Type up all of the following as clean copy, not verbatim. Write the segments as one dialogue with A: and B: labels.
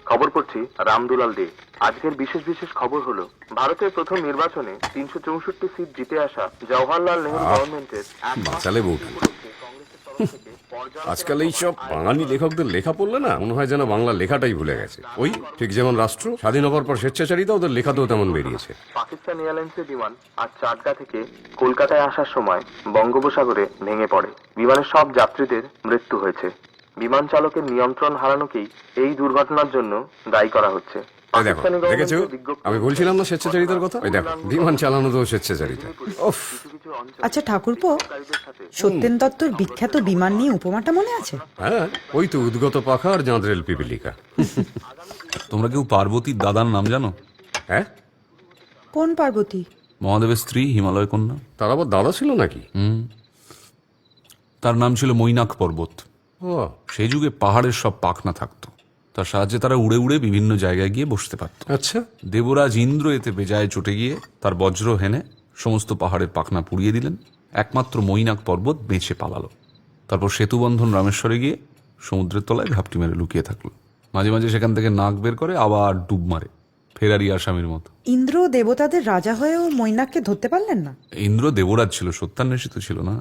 A: খবর পড়ছি রামদুলাল দে। আজকের বিশেষ বিশেষ খবর হলো, ভারতের প্রথম নির্বাচনে 364 সিট জিতে আসা জওহরলাল নেহরু গভর্নমেন্টের
B: বাঁচালে বউটা। আজকাল এই সব বাঙালি লেখকদের লেখা পড়লে না মনে হয় যেন বাংলা লেখাটাই ভুলে গেছে। ওই ঠিক যেমন রাষ্ট্র স্বাধীন হবার পর স্বেচ্ছাচারিতা ওদের লেখাতেও তেমন বেরিয়েছে।
A: পাকিস্তান এয়ারলাইন্সের বিমান আজ চাটগা থেকে কলকাতায় আসার সময় বঙ্গোপসাগরে ভেঙে পড়ে। বিমানের সব যাত্রীদের মৃত্যু হয়েছে। বিমান চালকের নিয়ন্ত্রণ হারানোকেই এই দুর্ঘটনার জন্য দায়ী করা হচ্ছে।
B: এই দেখো, দেখেছো আমি বলছিলাম না স্বেচ্ছাচারিতার কথা? ওই দেখো, বিমান চালানো তো স্বেচ্ছাচারিতা। উফ।
C: আচ্ছা ঠাকুরপো, সত্যেন দত্তর বিখ্যাত বিমান নিয়ে উপমাটা মনে আছে?
B: হ্যাঁ, ওই তো উদ্গত পাখা আর জাঁদরেল পিপিলিকা।
D: তোমরা কেউ পার্বতীর দাদার নাম জানো?
B: হ্যাঁ,
C: কোন পার্বতী?
D: মহাদেবের স্ত্রী, হিমালয় কন্যা।
B: তার আবার দাদা ছিল নাকি?
D: তার নাম ছিল মৈনাক পর্বত।
B: ও,
D: সেই যুগে পাহাড়ের সব পাখনা থাকতো, তার সাহায্যে তারা উড়ে উড়ে বিভিন্ন জায়গায় গিয়ে বসতে পারত।
B: আচ্ছা।
D: দেবরাজ ইন্দ্র এতে বেজায় চটে গিয়ে তার বজ্র হেনে সমস্ত পাহাড়ের পাখনা পুড়িয়ে দিলেন। একমাত্র মৈনাক পর্বত বেঁচে পালালো। তারপর সেতুবন্ধন রামেশ্বরে গিয়ে সমুদ্রের তলায় ঘাপটি মেরে লুকিয়ে থাকলো। মাঝে মাঝে সেখান থেকে নাক বের করে আবার ডুব মারে, ফেরারি আসামির মতো।
C: ইন্দ্র দেবতাদের রাজা হয়েও মৈনাককে ধরতে পারলেন না?
D: ইন্দ্র দেবরাজ ছিল, সত্যান্বেষিত ছিল না।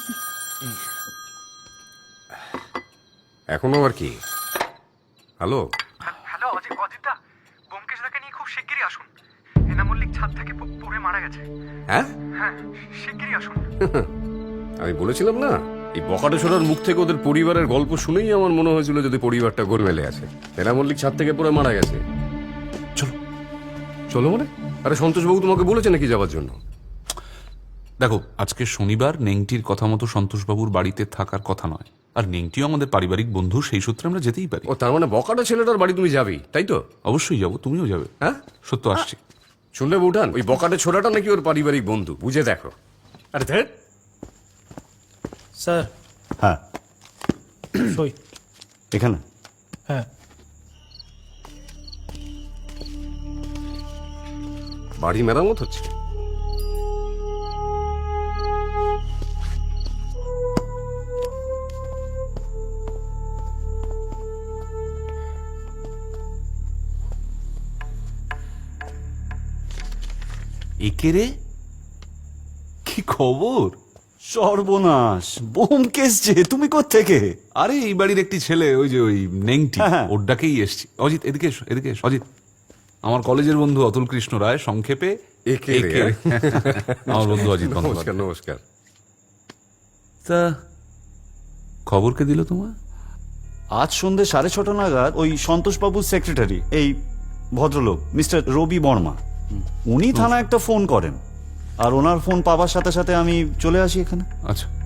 B: এখনো আর কি? হ্যালো
E: হ্যালো অজিতদা, ব্যোমকেশদাকে নিয়ে খুব শিগগিরই আসুন। হেনা মল্লিক ছাদ থেকে পড়ে মারা গেছে।
B: হ্যাঁ,
E: হ্যাঁ, শিগগিরই আসুন।
B: আমি বলেছিলাম না, এই বকাটে ছোড়ার মুখ থেকে ওদের পরিবারের গল্প শুনেই আমার মনে হয়েছিল যদি পরিবারটা গোলমেলে আছে। হেনা মল্লিক ছাদ থেকে পড়ে মারা গেছে।
D: চলো
B: চলো মানে? আরে সন্তোষবাবু তোমাকে বলেছে নাকি যাওয়ার জন্য?
D: দেখো, আজকে শনিবার, নেংটির কথা মতো সন্তোষবাবুর বাড়িতে থাকার কথা নয়। আর নেংটিও আমাদের পারিবারিক বন্ধু, সেই সূত্রে আমরা যেতেই পারি।
B: ও, তার মানে বকাটা ছেলেটার বাড়ি তুমি যাবেই, তাই তো?
D: অবশ্যই যাবো, তুমিও যাবে।
B: হ্যাঁ,
D: সত্য আসছি।
B: শুনলে বউঠান, ওই বকাটে ছোড়াটা নাকি ওর পারিবারিক বন্ধু, বুঝে দেখো। আরে ধ্যাৎ।
F: স্যার।
G: হ্যাঁ,
F: সই।
G: এখানে
F: হ্যাঁ।
B: বাড়ি মেরামত হচ্ছে?
D: একে রে, কি খবর?
G: সর্বনাশ, ব্যোমকেশ যে, তুমি কোত্থেকে?
D: আরে এই বাড়ির একটি ছেলে, ওই যে ওই নেংটি,
G: হ্যাঁ।
D: ওর ডাকেই এসছি। অজিত এদিকে এসো, এদিকে এসো। অজিত আমার কলেজের বন্ধু অতুল কৃষ্ণ রায়, সংক্ষেপে
B: একে রে।
D: একে। আমার বন্ধু অজিত
B: নমস্কার,
D: বন্দ্যোপাধ্যায়।
B: নমস্কার।
D: তা খবর কে দিল তোমার?
G: আজ সন্ধ্যে 6:30 নাগাদ ওই সন্তোষবাবুর সেক্রেটারি, এই ভদ্রলোক মিস্টার রবি বর্মা, উনি থানায় একটা ফোন করেন। আর ওনার ফোন পাওয়ার সাথে সাথে আমি চলে আসি এখানে।
D: আচ্ছা,